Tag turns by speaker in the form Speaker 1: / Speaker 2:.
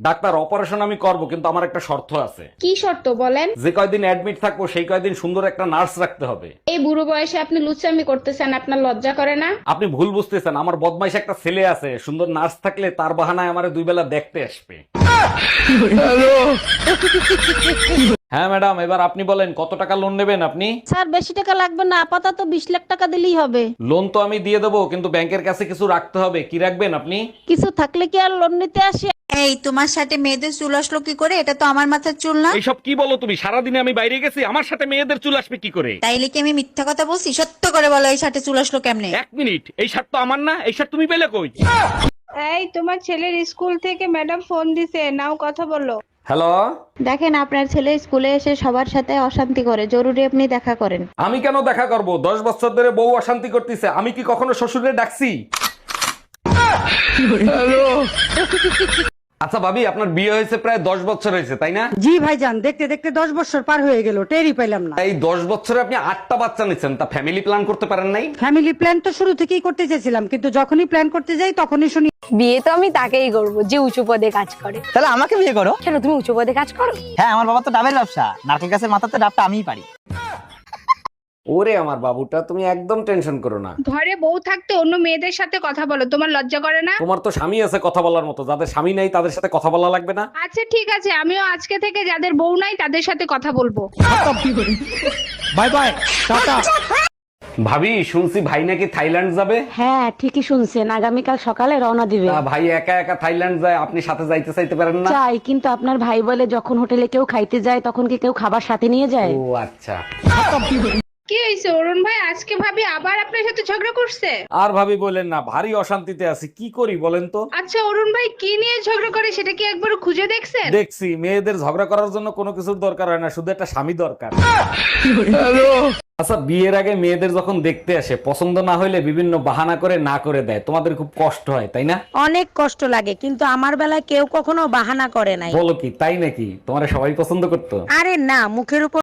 Speaker 1: Doctor, operation আমি করব কিন্তু আমার একটা শর্ত আছে।
Speaker 2: কি শর্ত বলেন?
Speaker 1: যে কয়দিন অ্যাডমিট থাকবো সেই কয়দিন সুন্দর একটা নার্স রাখতে হবে।
Speaker 2: এই বুড়ো বয়সে আপনি লুচ্চামি করতেছেন, আপনার লজ্জা করে না?
Speaker 1: আপনি ভুল বুঝতেছেন, আমার বদমাইশ একটা ছেলে আছে, সুন্দর নার্স থাকলে তার বাহানায় আমারে 2 বেলা দেখতে আসবে। হ্যাঁ ম্যাডাম, এবার আপনি বলেন কত টাকা লোন নেবেন আপনি?
Speaker 3: স্যার বেশি টাকা লাগবে না, আপাতত 20 লাখ টাকা দিলেই হবে।
Speaker 1: লোন তো আমি দিয়ে দেবো, কিন্তু ব্যাংকের কাছে কিছু রাখতে হবে। কি রাখবেন আপনি?
Speaker 3: কিছু থাকলে কি আর লোন নিতে আসে?
Speaker 4: এই তোমার সাথে মেয়েদের চুল আসলো কি করে? এটা তো আমার মাথার চুল না।
Speaker 1: এইসব কি বলো তুমি? সারাদিনে আমি বাইরে গেছি, আমার সাথে মেয়েদের চুল আসবে কি করে?
Speaker 4: তাইলে কি আমি মিথ্যা কথা বলছি? সত্য করে বলো, এই সাথে চুল আসলো কেমনে?
Speaker 1: 1 মিনিট, এই শার্ট তো আমার না, এই শার্ট তুমি পেলে কই?
Speaker 5: এই তোমার ছেলের স্কুল থেকে ম্যাডাম ফোন দিছে, নাও কথা বলো।
Speaker 1: হ্যালো,
Speaker 6: দেখেন আপনার ছেলে স্কুলে এসে সবার সাথে অশান্তি করে, জরুরি আপনি দেখা করেন।
Speaker 1: আমি কেন দেখা করব? 10 বছর ধরে বউ অশান্তি করতেছে, আমি কি কখনো শ্বশুরে ডাকছি? আচ্ছা ভাবি, আপনার বিয়ে হয়েছে প্রায় 10 বছর হয়েছে তাই না?
Speaker 7: জি ভাইজান, দেখতে দেখতে 10 বছর পার হয়ে গেল, টেরই পেলাম না।
Speaker 1: এই 10 বছরে আপনি 8টা বাচ্চা নিচ্ছেন, তা ফ্যামিলি প্ল্যান করতে পারেন নাই?
Speaker 7: ফ্যামিলি প্ল্যান তো শুরু থেকেই করতে চেয়েছিলাম, কিন্তু যখনই প্ল্যান করতে যাই তখনই শুনি
Speaker 8: বিয়ে তো আমি তাকেই করবো যে উঁচু পদে কাজ করে।
Speaker 9: তাহলে আমাকে বিয়ে করো।
Speaker 8: কেন, তুমি উঁচু পদে কাজ করো?
Speaker 9: হ্যাঁ, আমার বাবা তো ডাবের ব্যবসা, নারকেল গাছের মাথাতে ডাবটা আমিই পারি।
Speaker 1: ওরে আমার বাবুটা, তুমি একদম টেনশন করো না।
Speaker 2: ঘরে বউ থাকতে অন্য মেয়েদের সাথে কথা বলো, তোমার লজ্জা করে না?
Speaker 1: তোমার তো স্বামী আছে কথা বলার মতো, যাদের স্বামী নাই তাদের সাথে কথা বলা লাগবে না?
Speaker 2: আচ্ছা ঠিক আছে, আমিও আজকে থেকে যাদের বউ নাই তাদের সাথে কথা বলবো।
Speaker 9: Bye bye, tata.
Speaker 1: ভাবি, শুনছি ভাই নাকি থাইল্যান্ড যাবে।
Speaker 6: হ্যাঁ ঠিকই শুনছেন, আগামীকাল সকালে রওনা দিবে।
Speaker 1: তা ভাই একা একা থাইল্যান্ড যায়, আপনি সাথে যাইতে চাইতে পারেন না?
Speaker 6: চাই, কিন্তু আপনার ভাই বলে যখন হোটেলে কেউ খাইতে যায় তখন কি কেউ খাবার সাথে নিয়ে যায়?
Speaker 1: ও আচ্ছা।
Speaker 2: কি হয়েছে অরুণ ভাই, আজকে ভাবি আবার আপনার সাথে ঝগড়া করছে?
Speaker 1: আর ভাবি বলেন না, ভারী অশান্তিতে আছি, কি করি বলেন তো?
Speaker 2: আচ্ছা অরুণ ভাই, কি নিয়ে ঝগড়া করে সেটা কি একবার খুঁজে দেখছেন?
Speaker 1: দেখছি, মেয়েদের ঝগড়া করার জন্য কোনো কিছুর দরকার হয় না, শুধু একটা স্বামী দরকার। আচ্ছা, বিয়ের আগে মেয়েদের যখন দেখতে আসে, পছন্দ না হইলে বিভিন্ন বাহানা করে না করে দেয়, তোমাদের খুব কষ্ট হয় তাই না?
Speaker 3: অনেক কষ্ট লাগে, কিন্তু আমার বেলায় কেউ কখনো বাহানা করে নাই।
Speaker 1: বলো কি, তাই নাকি? তোমার সবাই পছন্দ করতো?
Speaker 3: আরে না, মুখের উপর